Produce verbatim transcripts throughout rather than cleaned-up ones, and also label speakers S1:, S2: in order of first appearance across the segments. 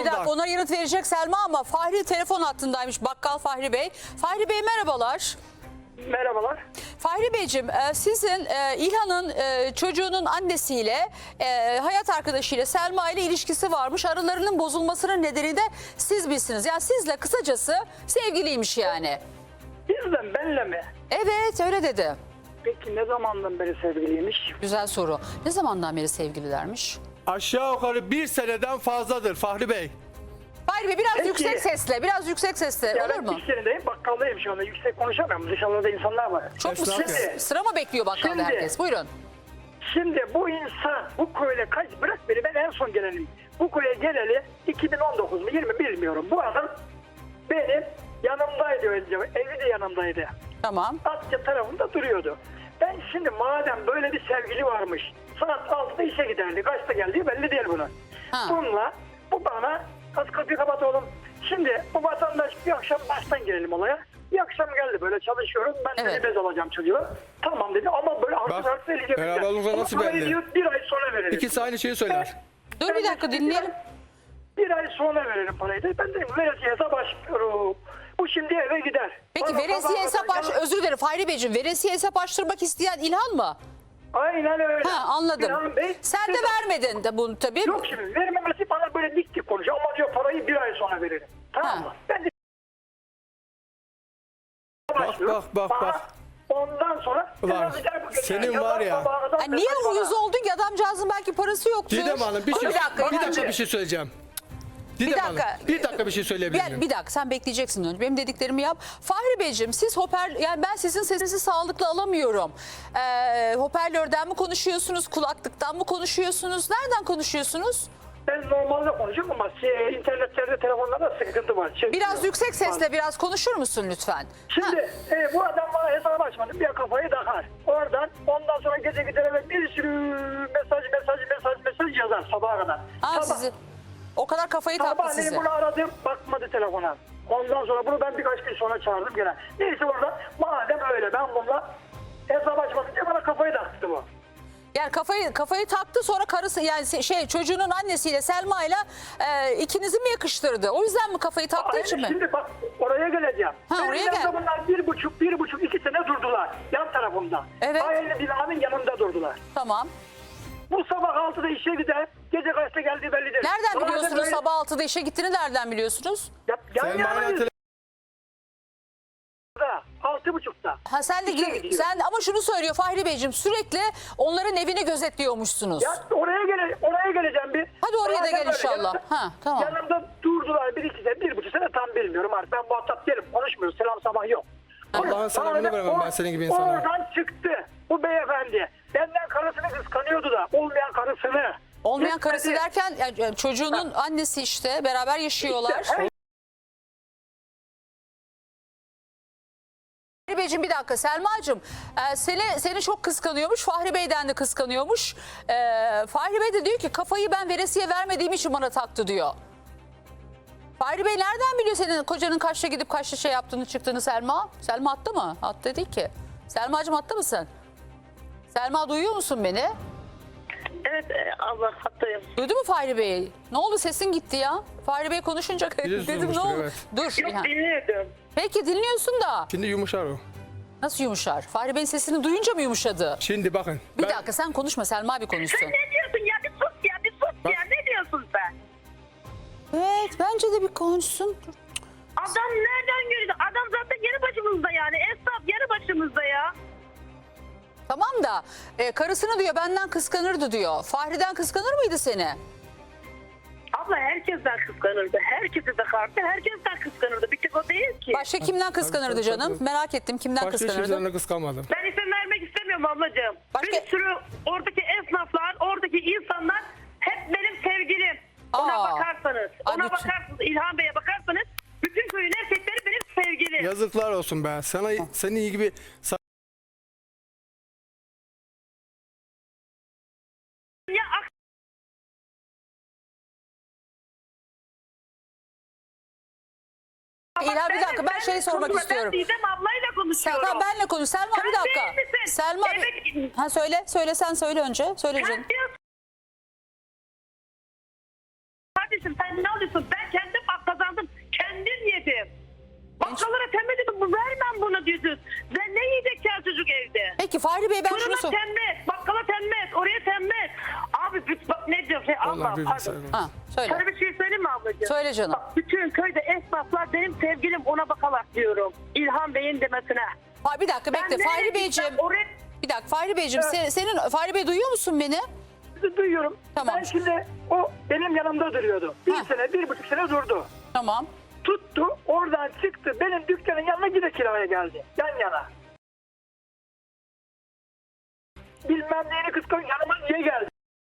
S1: Bir dakika, ona yanıt verecek Selma ama Fahri telefon hattındaymış. Bakkal Fahri Bey. Fahri Bey merhabalar.
S2: Merhabalar.
S1: Fahri Beyciğim, e, sizin e, İlhan'ın e, çocuğunun annesiyle e, hayat arkadaşıyla Selma ile ilişkisi varmış. Aralarının bozulmasının nedeni de siz bilsiniz. Yani sizle kısacası sevgiliymiş yani.
S2: Bizden benle mi?
S1: Evet, öyle dedi.
S2: Peki ne zamandan beri sevgiliymiş?
S1: Güzel soru. Ne zamandan beri sevgililermiş?
S3: Aşağı yukarı bir seneden fazladır Fahri Bey.
S1: Fahri Bey biraz
S2: Peki.
S1: yüksek sesle, biraz yüksek sesle
S2: Ya
S1: olur
S2: ben
S1: mu?
S2: iş yerindeyim, bakkaldayım şu anda. Yüksek konuşamıyorum. Dışarıda insanlar var.
S1: Çok mu
S3: Esnaf
S1: sıra,
S2: ya.
S1: sıra mı bekliyor bakkalda
S2: Şimdi-
S1: herkes? Buyurun.
S2: Şimdi bu insan bu köyle kaç bırak beni, ben en son gelenim. Bu köye geleli iki bin on dokuz mu yirmi bilmiyorum. Bu adam benim yanımdaydı önce. Evi de yanımdaydı.
S1: Tamam.
S2: Asya tarafında duruyordu. Ben şimdi madem böyle bir sevgili varmış, saat altıda işe giderdi. Kaçta geldiği belli değil bunun.
S1: Ha.
S2: Bununla bu bana az kapıyı kapat oğlum. Şimdi bu vatandaş bir akşam baştan girelim olaya. Bir akşam geldi, böyle çalışıyorum. Ben
S1: Evet.
S2: evet. bez alacağım çocuğa. Tamam dedi ama böyle haksız
S3: Bak,
S2: haksız eleyecek.
S3: beraberliğinize nasıl
S2: Ama parayı
S3: belli?
S2: diyor, bir ay sonra verelim.
S3: İkisi aynı şeyi söyler.
S1: Dur
S2: Ben
S1: bir dakika
S2: de-
S1: dinleyelim.
S2: Bir ay sonra verelim parayı da. Ben dedim veresiye hesap açmıyorum. Bu şimdi eve gider.
S1: Peki
S2: Bana
S1: veresiye
S2: sabah
S1: hesap
S2: kadar-
S1: aç, özür dilerim Fahri Beyciğim, veresiye hesap açtırmak isteyen İlhan mı?
S2: Aynen öyle.
S1: Ha, anladım.
S2: İlhan Bey,
S1: Sen de
S2: siz-
S1: vermedin de bunu tabii.
S2: Yok şimdi vermemesi bana böyle dik dik konuşuyor ama diyor parayı bir ay sonra veririm. Tamam
S1: Ha.
S2: mı? Ben de
S3: Bak bak bak
S2: Bana
S3: bak.
S2: Ondan sonra
S3: Ulan, senin var ya.
S1: Ha, niye uyuz oldun ki, adamcağızın belki parası yoktur.
S3: Didem Hanım bir
S1: Dur
S3: şey,
S1: bir dakika,
S3: bir dakika
S1: İlhancığım.
S3: bir şey söyleyeceğim. Didem Hanım
S1: dakika.
S3: bir dakika bir şey söyleyebilir
S1: Bir,
S3: miyim?
S1: bir dakika, sen bekleyeceksin önce. Benim dediklerimi yap. Fahri Beyciğim, siz hoper, yani ben sizin sesinizi sağlıklı alamıyorum. Ee, hoparlörden mi konuşuyorsunuz, kulaklıktan mı konuşuyorsunuz, nereden konuşuyorsunuz?
S2: Ben normalde konuşuyorum ama şey, internetlerde telefonlarda sıkıntı var. Çekmiyor.
S1: Biraz yüksek sesle biraz konuşur musun lütfen? Ha.
S2: Şimdi e, bu adam bana hesap açmadı. Bir kafayı takar. Oradan ondan sonra gece gider eve bir sürü mesaj mesaj mesaj mesaj yazar sabaha kadar.
S1: Ha,
S2: Sabah-
S1: sizi o kadar kafayı taktı
S2: Sabahleyin
S1: sizi.
S2: bunu aradım, bakmadı telefona. Ondan sonra bunu ben birkaç gün sonra çağırdım gene. Neyse orada madem öyle ben bununla hesap açmadım diye bana kafayı taktı bu.
S1: Yani kafayı kafayı taktı, sonra karısı yani se- şey çocuğunun annesiyle Selma'yla e, ikinizi mi yakıştırdı? O yüzden mi kafayı taktığı
S2: Ay,
S1: için mi?
S2: Şimdi bak oraya geleceğim.
S1: Ha,
S2: Benim
S1: oraya
S2: yanımda
S1: gel.
S2: bunlar bir buçuk, bir buçuk, iki sene durdular. Yan tarafımda.
S1: Evet.
S2: Aynı binanın yanında durdular.
S1: Tamam.
S2: Bu sabah altıda işe gider, gece kaçta geldiği belli değil.
S1: Nereden
S2: Madem
S1: biliyorsunuz
S2: böyle-
S1: sabah altıda işe gittiğini nereden biliyorsunuz?
S2: Ya, yan
S3: Selma
S2: yanayız.
S3: ile
S2: Altı buçukta.
S1: Ha sen de
S2: İşe
S1: gir-
S2: gidiyor.
S1: sen ama şunu söylüyor Fahri Beyciğim, sürekli onların evini gözetliyormuşsunuz.
S2: Ya oraya gele oraya geleceğim bir.
S1: Hadi oraya da
S2: Madem
S1: gel
S2: öyle,
S1: inşallah.
S2: yanımda-
S1: Ha, tamam.
S2: Yanımda durdular bir iki sene, bir buçuk sene tam bilmiyorum artık. Ben muhatap değilim, konuşmuyoruz. Selam sabah yok.
S3: Allah'ın selamını
S2: Madem
S3: veremem ben
S2: o-
S3: senin gibi insana.
S2: Oradan çıktı bu beyefendi. Benden karısını kıskanıyordu da olmayan karısını.
S1: Olmayan
S2: Gitmedi.
S1: karısı derken yani çocuğunun annesi işte, beraber yaşıyorlar.
S2: İşte, her-
S1: Fahri Beyciğim bir dakika, Selma'cığım e, seni, seni çok kıskanıyormuş, Fahri Bey'den de kıskanıyormuş. E, Fahri Bey de diyor ki kafayı ben veresiye vermediğim için bana taktı diyor. Fahri Bey nereden biliyor senin kocanın kaçta gidip kaçta şey yaptığını çıktığını Selma? Selma attı mı? Attı değil ki. Selma'cığım attı mısın? Selma duyuyor musun beni?
S4: Evet e, Allah hattayım.
S1: Duydu mu Fahri Bey? Ne oldu, sesin gitti ya? Fahri Bey konuşunca
S3: Biraz
S1: dedim ne
S3: olmuştur,
S1: oldu?
S3: evet.
S1: Dur.
S4: Yok
S1: İlhan.
S4: dinliyordum.
S1: Peki dinliyorsun da
S3: Şimdi yumuşar o.
S1: nasıl yumuşar? Fahri Bey'in sesini duyunca mı yumuşadı?
S3: Şimdi bakın.
S1: Bir
S3: ben-
S1: dakika sen konuşma, Selma bir konuşsun.
S4: Sen ne diyorsun ya, bir sus ya, bir sus
S3: Bak.
S4: ya, ne diyorsun sen?
S1: Evet bence de bir konuşsun.
S4: Adam nereden görüyordu? Adam zaten yanı başımızda yani, esnaf yanı başımızda ya.
S1: Tamam da e, karısını diyor benden kıskanırdı diyor. Fahri'den kıskanır mıydı seni?
S4: Abla herkesten kıskanırdı, herkesi de karşı, herkesten kıskanırdı. Bir tek o değil ki.
S1: Başka kimden kıskanırdı
S3: tabii,
S1: canım?
S3: tabii.
S1: Merak ettim, kimden
S3: Başka hiç
S1: kıskanırdı?
S3: kimselerine kıskanmadım.
S4: Ben isim vermek istemiyorum ablacığım.
S1: Başka-
S4: Bir sürü oradaki esnaflar, oradaki insanlar hep benim sevgilim. Ona
S1: Aa.
S4: bakarsanız,
S1: Ay,
S4: ona
S1: bütün-
S4: bakarsanız, İlhan Bey'e bakarsanız bütün köyün erkekleri benim sevgilim.
S3: Yazıklar olsun be. Sana senin iyi gibi
S4: Ya ak-
S1: İlhan bir
S4: Ben-
S1: dakika, ben şey sormak
S4: konuşma,
S1: istiyorum.
S4: Ben Didem ablayla
S1: Sen,
S4: konuşuyorum.
S1: tamam, benle konuş. Selma
S4: Sen
S1: bir dakika.
S4: değil misin?
S1: Selma
S4: Evet.
S1: bir... Ha söyle, söyle sen söyle önce. Söyle canım.
S4: Sen diyorsun. Kardeşim sen ne alıyorsun? Ben
S3: Harbi
S4: pardon.
S3: bilgisayar.
S1: Ha, söyle.
S4: Sana bir şey söyleyeyim mi ablacığım?
S1: Söyle canım.
S4: Bak, bütün köyde esnaflar benim sevgilim ona bakarak diyorum. İlhan Bey'in demesine.
S1: Ha, bir dakika bekle.
S4: Ben
S1: Fahri
S4: nereye
S1: Beyciğim.
S4: gitsem oraya-
S1: Bir dakika Fahri Beyciğim. Sen, senin Fahri Bey duyuyor musun beni?
S2: Duyuyorum.
S1: Tamam.
S2: Ben şimdi o benim yanımda duruyordu. Bir
S1: Ha.
S2: sene, bir buçuk sene durdu.
S1: Tamam.
S2: Tuttu, oradan çıktı. Benim dükkanın yanına yine kiraya geldi. Yan yana. Bilmem neyini kıskanç yanıma niye geldi?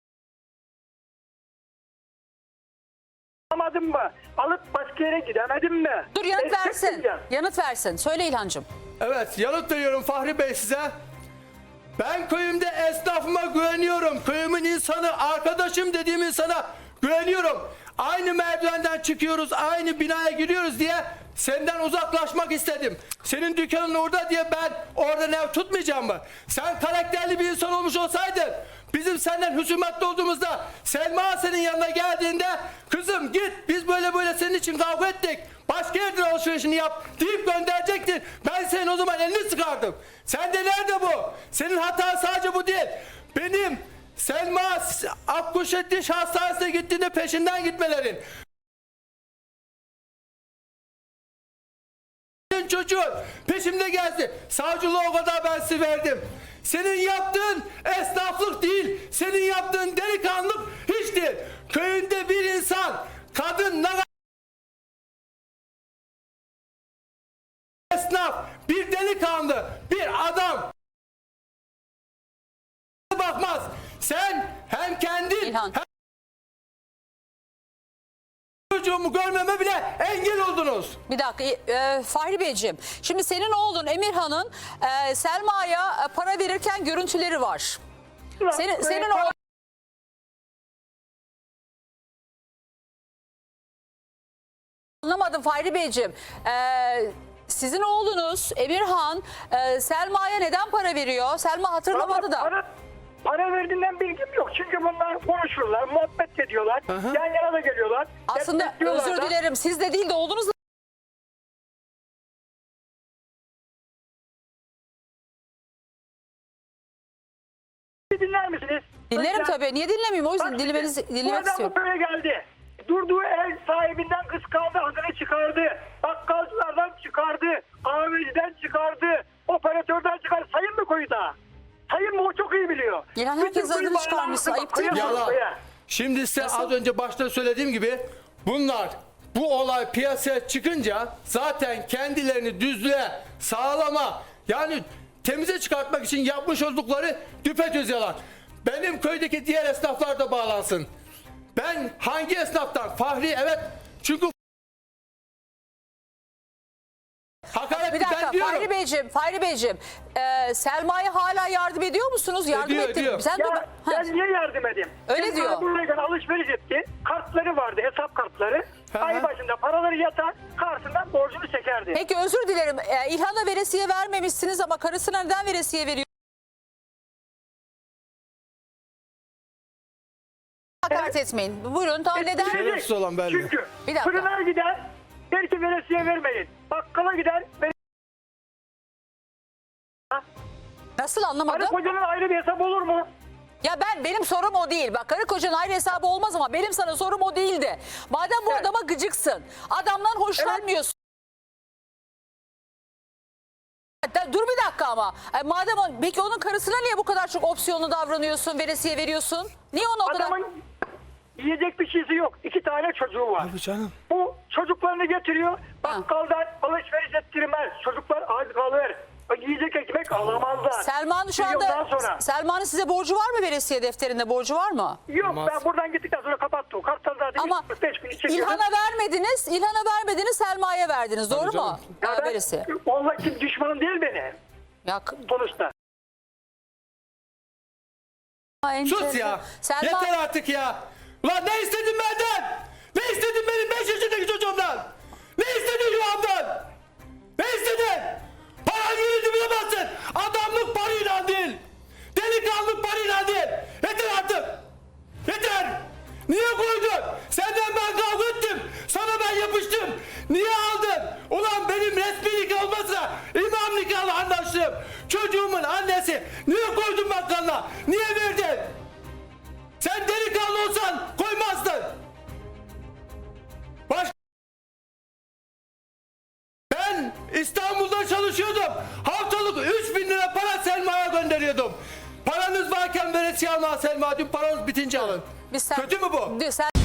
S2: Anlamadım mı? Alıp başka yere gidemedim mi?
S1: Dur yanıt
S2: Destek
S1: versin.
S2: diyeceğim.
S1: Yanıt versin. Söyle İlhancığım.
S3: Evet, yanıt veriyorum Fahri Bey size. Ben köyümde esnafıma güveniyorum. Köyümün insanı, arkadaşım dediğim insana güveniyorum. Aynı merdivenden çıkıyoruz, aynı binaya giriyoruz diye senden uzaklaşmak istedim. Senin dükkanın orada diye ben oradan ev tutmayacağım mı? Sen karakterli bir insan olmuş olsaydın, bizim senden husumetli olduğumuzda Selma senin yanına geldiğinde kızım git biz böyle böyle senin için kavga ettik. Başka yerden alışverişini yap deyip gönderecektin. Ben senin o zaman elini sıkardım. Sen de nerede bu? Senin hatan sadece bu değil. Benim Selma Akkuşettiş Hastanesi'ne gittiğinde peşinden gitmelerin. Senin çocuğun peşimde geldi. Savcılığı o kadar ben size verdim. Senin yaptığın esnaflık değil. Senin yaptığın delikanlılık hiç değil. Köyünde bir insan, kadın, ne esnaf, bir delikanlı, bir adam bakmaz. Sen hem kendin
S1: İlhan.
S3: hem çocuğumu görmeme bile engel oldunuz.
S1: Bir dakika e, Fahri Beyciğim. Şimdi senin oğlun Emirhan'ın e, Selma'ya e, para verirken görüntüleri var. Senin, senin o Anlamadım Fahri Beyciğim. Ee, sizin oğlunuz Emirhan e, Selma'ya neden para veriyor? Selma hatırlamadı da.
S2: Para, para verdiğinden bilgim yok. Çünkü bunlar konuşurlar, muhabbet ediyorlar.
S3: Aha.
S2: Yan yana da geliyorlar.
S1: Aslında
S2: destekliyorlar
S1: özür
S2: da.
S1: dilerim siz de değil de oğlunuz da
S2: Bir dinler misiniz?
S1: dinlerim
S2: Lütfen.
S1: tabii. Niye dinlemeyeyim? O yüzden
S2: Bak
S1: dinlemenizi
S2: şimdi,
S1: dinlemek
S2: bu adam
S1: istiyorum.
S2: bu köye geldi. Durduğu ev sahibinden kıskandı, adını çıkardı. Bakkalcılardan çıkardı. Kahveciden çıkardı. Operatörden çıkardı. Sayın mı koyu da? Sayın mı o çok iyi biliyor.
S1: İlhan,
S2: Bütün
S1: herkes
S2: koyu
S1: adını çıkarmışsın.
S2: bağlanmışsın.
S1: Ayıp değil mi?
S2: Koya bak,
S3: Yalan.
S2: koya.
S3: Şimdi size
S1: Nasıl?
S3: az önce başta söylediğim gibi bunlar bu olay piyasaya çıkınca zaten kendilerini düzlüğe, sağlama yani temize çıkartmak için yapmış oldukları düpedüz yalan. Benim köydeki diğer esnaflar da bağlansın. Ben hangi esnaftan? Fahri evet çünkü hakaret
S1: Bir
S3: ben
S1: dakika
S3: diyorum.
S1: Fahri Beyciğim, Fahri Beyciğim. e, Selma'ya hala yardım ediyor musunuz? Yardım
S3: Ediyor,
S1: ettin.
S3: ediyor.
S1: Sen de
S2: Ya
S1: Ha,
S2: ben niye yardım edeyim?
S1: Öyle
S2: Benim
S1: diyor.
S2: buraya alışveriş etti. Kartları vardı, hesap kartları.
S3: Hı hı.
S2: Ay başında paraları yatar, karşısından borcunu çekerdi.
S1: Peki özür dilerim. E, İlhan'a veresiye vermemişsiniz ama karısına neden veresiye veriyor? Hakaret etmeyin. Buyurun tamam neden?
S2: Ettirecek.
S3: Şerefsiz olan belli.
S2: Çünkü
S1: Bir dakika.
S2: fırına gider, der ki veresiye vermeyin. Bakkala gider, ver-
S1: Nasıl
S2: Karı
S1: anlamadım?
S2: kocanın ayrı bir hesabı olur mu?
S1: Ya ben benim sorum o değil. Bak karı kocanın ayrı hesabı olmaz ama benim sana sorum o değildi. Madem bu
S2: Evet.
S1: adama gıcıksın, adamdan hoşlanmıyorsun. Da- Dur bir dakika ama. E, madem o, peki onun karısına niye bu kadar çok opsiyonlu davranıyorsun, veresiye veriyorsun? Niye ona o kadar...
S2: Adamın yiyecek bir şeysi yok. İki tane çocuğu var.
S3: Abi canım.
S2: Bu çocuklarını getiriyor. Bakkaldan alışveriş ettirmez. Çocuklar aç kalır. Yiyecek ekmek alamazlar.
S1: Selma'nın şu
S2: Bir yıldan
S1: anda
S2: sonra.
S1: Selma'nın size borcu var mı, veresiye defterinde borcu var mı?
S2: Yok
S3: Olmaz.
S2: ben buradan gittikten sonra kapattı o. Karttan zaten
S1: Ama
S2: beş bin çekiyordu.
S1: İlhan'a vermediniz, İlhan'a vermediniz, Selma'ya verdiniz. Doğru mu?
S3: canım.
S2: Ya
S1: Ha,
S2: ben-
S1: veresiye.
S2: Vallahi kim düşmanım değil benim.
S1: Ya,
S2: Sonuçta.
S3: Sus ya.
S1: Selma,
S3: Yeter artık ya. Ulan ne istedin benden? Ne istedin benim beş yaşındaki çocuğumdan? Ne istedin yuhamdan? Ne istedin? Paran yerini bilemezsin. Adamlık parayla değil. Delikanlılık parayla değil. Yeter artık. Yeter. Niye koydun? Senden ben kavga ettim. Sana ben yapıştım. Niye aldın? Ulan benim resmi nikah olmasa imam nikahla anlaştım. Çocuğumun annesi. Niye koydun bakkalına? Niye verdin? Sen delikanlı olsan koymazdın. veresiye alma Selma. Dün paranız bitince alın.
S1: Biz sen-
S3: Kötü mü bu?
S1: Sen